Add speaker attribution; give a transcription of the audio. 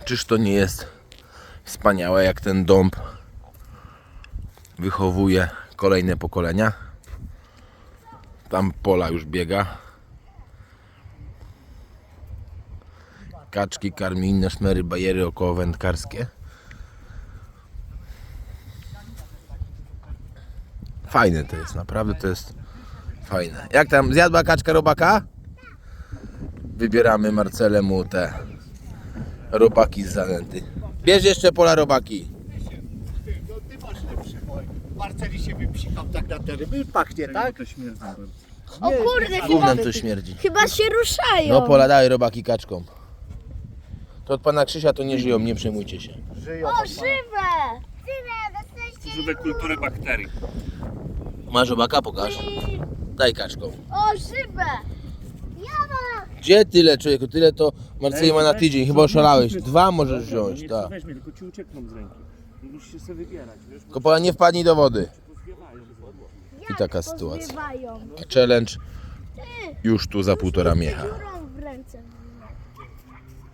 Speaker 1: Czyż to nie jest wspaniałe, jak ten dąb wychowuje kolejne pokolenia? Tam pola już biega. Kaczki karmi inne szmery, bajery około wędkarskie. Fajne to jest, naprawdę to jest fajne. Jak tam, zjadła kaczka robaka? Wybieramy Marcelemu te robaki z zanęty. Bierz jeszcze pola robaki.
Speaker 2: No ty masz lepszy, bo Marceli się wypsikam tak na te ryby, pachnie, tak?
Speaker 3: To śmierdzi.
Speaker 4: O kurde,
Speaker 1: Gównem to śmierdzi.
Speaker 4: chyba się ruszają.
Speaker 1: No pola, daj robaki kaczkom. To od pana Krzysia to nie żyją, nie przejmujcie się.
Speaker 2: Żyją.
Speaker 4: O, żywe!
Speaker 3: Żywe kultury bakterii.
Speaker 1: Masz robaka? Pokaż. Daj kaczkom.
Speaker 4: O, żywe! Ja mam!
Speaker 1: Gdzie tyle, człowieku? Tyle to Marceli ma na tydzień. Chyba oszalałeś. 2 możesz wziąć,
Speaker 3: Nie,
Speaker 1: tak.
Speaker 3: weźmie, tylko ci uciekną z ręki. Musisz się sobie wybierać, wiesz?
Speaker 1: Tylko pola, nie wpadnij do wody.
Speaker 3: Pozwiewają z wody.
Speaker 1: I taka sytuacja.
Speaker 4: Pozbywają.
Speaker 1: Challenge już tu za 1,5 miecha.